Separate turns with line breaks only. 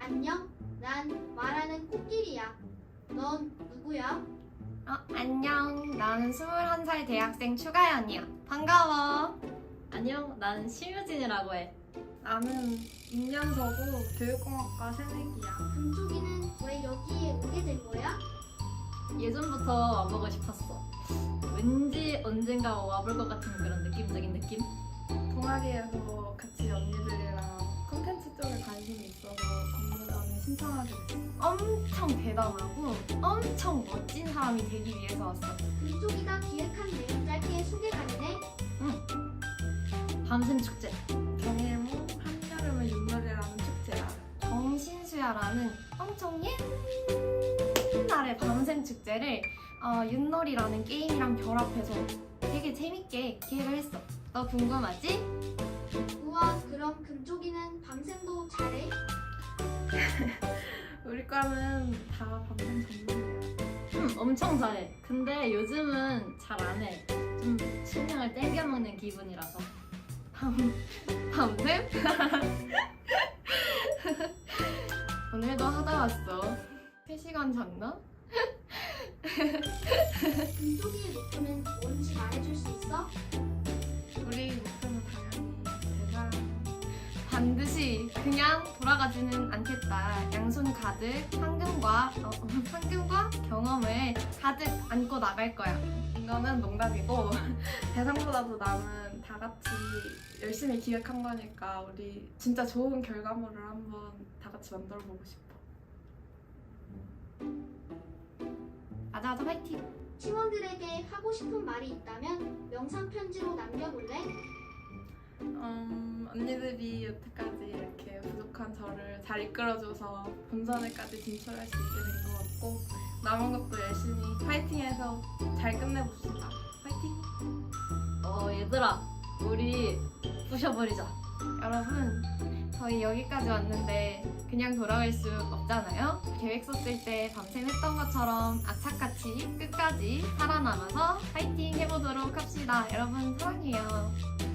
안녕, 난 말하는 코끼리야. 넌 누구야?
안녕. 나는 21살 대학생 추가연이야. 반가워.
안녕, 나는 심유진이라고 해.
나는 임년서고 교육공학과 새내기야.
금쪽이는 왜 여기에 오게 된 거야?
예전부터 와보고 싶었어. 왠지 언젠가 와볼 것 같은 그런 느낌적인 느낌?
동아리에서 같이 언니들이랑 콘텐츠 쪽에 관심이 있어서 공모전에 신청하게 됐어.
엄청 대담하고 엄청 멋진 사람이 되기 위해서 왔어.
금쪽이가 기획한 내용 짧게 소개 가능해?
밤샘 축제.
정일모 한여름의 윷놀이라는 축제야.
정신수야라는 엄청 옛날의 밤샘 축제를 윷놀이라는 게임이랑 결합해서 되게 재밌게 기획을 했어. 너 궁금하지?
우와, 그럼 금쪽이는 밤샘도 잘해?
우리 과는 다 밤샘 전문이야.
엄청 잘해. 근데 요즘은 잘 안 해. 좀 식량을 땡겨먹는 기분이라서.
밤샘? 오늘도 하다 왔어. 3시간 잤나?
금쪽이의 목표는 뭔지 말해줄 수 있어?
우리 목표는 당연히 대상.
반드시 그냥 돌아가지는 않겠다. 양손 가득 상금과 경험을 가득 안고 나갈 거야.
이거는 농담이고 대상보다도 나는 다 같이 열심히 기획한 거니까 우리 진짜 좋은 결과물을 한번 다 같이 만들어 보고 싶어.
맞아, 화이팅!
팀원들에게 하고 싶은 말이 있다면 영상 편지로 남겨볼래?
언니들이 여태까지 이렇게 부족한 저를 잘 이끌어줘서 본선에까지 진출할 수 있게 된 것 같고 남은 것도 열심히 파이팅해서 잘 끝내봅시다. 파이팅!
얘들아, 우리 부셔버리자.
여러분, 저희 여기까지 왔는데 그냥 돌아갈 수 없잖아요? 계획 썼을 때 밤샘 했던 것처럼 악착같이 끝까지 살아남아서 파이팅 해보도록 합시다. 여러분, 사랑해요.